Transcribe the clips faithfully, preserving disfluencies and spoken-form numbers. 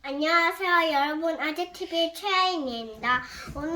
안녕하세요, 여러분. 아재티비의 최아인입니다. 오늘은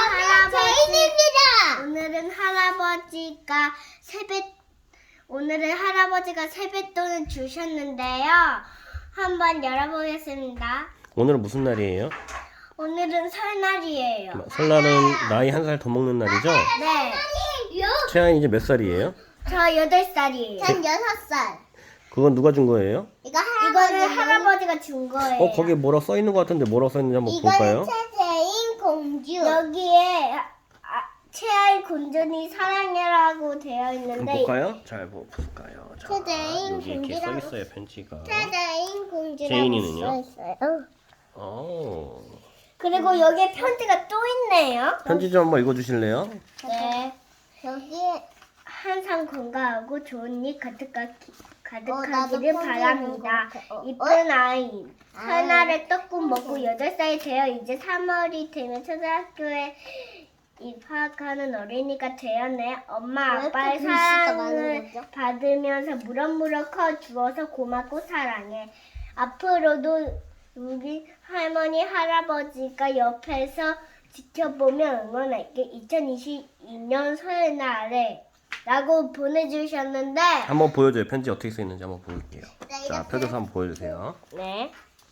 제인입니다. 오늘은 할아버지가 세뱃 오늘은 할아버지가 세뱃돈을 주셨는데요. 한번 열어보겠습니다. 오늘은 무슨 날이에요? 오늘은 설날이에요. 설날은 나이 한 살 더 먹는 날이죠? 네, 채아이 이제 몇 살이에요? 저 여덟 살이에요. 전 여섯 살. 그건 누가 준 거예요? 이거 이거는 할아버지. 할아버지가 준 거예요. 어, 거기에 뭐라 써 있는 것 같은데 뭐라고 써 있는지 한번 볼까요? 이거는 최재인 공주. 여기에 아, 최아이 곤전이 사랑해라고 되어 한번 있는데 볼까요? 잘 보- 볼까요? 자, 최대인 여기 이렇게 써 공주라고 있어요, 편지가. 최재인 공주라고 제인이는요? 써있어요. 어. 그리고 여기에 편지가 또 있네요. 편지 좀 한번 읽어 주실래요? 네. 여기에 항상 건강하고 좋은 일 가득하, 어, 나도 가득하기를 편지 바랍니다. 읽는 거 같아. 어, 이쁜 아이. 아. 설날에 떡국 먹고 여덟 살이 되어 이제 삼월이 되면 초등학교에 입학하는 어린이가 되었네. 엄마 왜 아빠의 이렇게 글씨가 많은 사랑을 거죠? 받으면서 무럭무럭 커 주어서 고맙고 사랑해. 앞으로도 우리 할머니 할아버지가 옆에서 지켜보며 응원할게. 이천이십이 년 설날에 라고 보내주셨는데 한번 보여줘요. 편지 어떻게 써 있는지 한번 볼게요. 네, 자, 이렇게. 펴줘서 한번 보여주세요. 네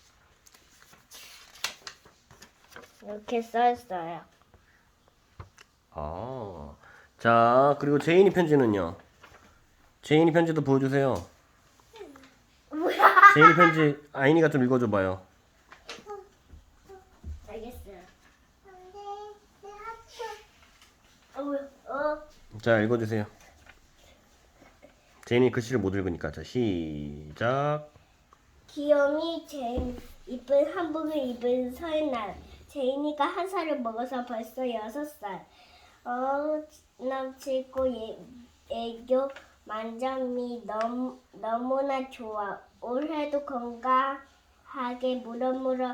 이렇게 써있어요. 아, 자, 그리고 제인이 편지는요? 제인이 편지도 보여주세요. 뭐야? 제인이 편지 아인이가 좀 읽어줘봐요. 알겠어요. 어, 뭐야? 어. 자, 읽어주세요. 제인이 글씨를 못 읽으니까. 자, 시작. 귀염이 제일 이쁜 한복을 입은 설날. 제인이가 한 살을 먹어서 벌써 여섯 살. 어, 남치고 예, 애교 만점이 너무, 너무나 좋아. 올해도 건강하게 무럭무럭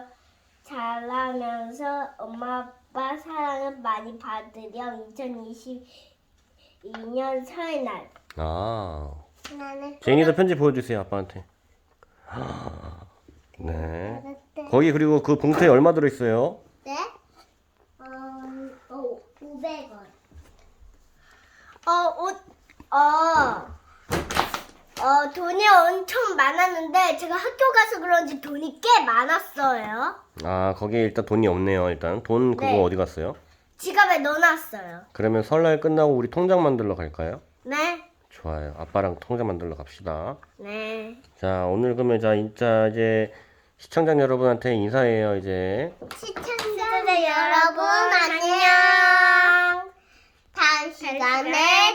자라면서 엄마 아빠 사랑을 많이 받으렴. 이천이십이 년 설날. 아, 나는 제인이도 편지 보여주세요, 아빠한테. 아, 네. 거기 그리고 그 봉투에 얼마 들어있어요? 네? 어, 어, 오백 원. 어, 옷, 어, 어, 돈이 엄청 많았는데 제가 학교 가서 그런지 돈이 꽤 많았어요. 아, 거기에 일단 돈이 없네요, 일단. 돈 그거 네. 어디 갔어요? 지갑에 넣어놨어요. 그러면 설날 끝나고 우리 통장 만들러 갈까요? 네, 좋아요. 아빠랑 통장 만들러 갑시다. 네. 자, 오늘 그러면 자, 진짜 이제 시청자 여러분한테 인사해요, 이제. 시청자 여러분 안녕. 다음 시간에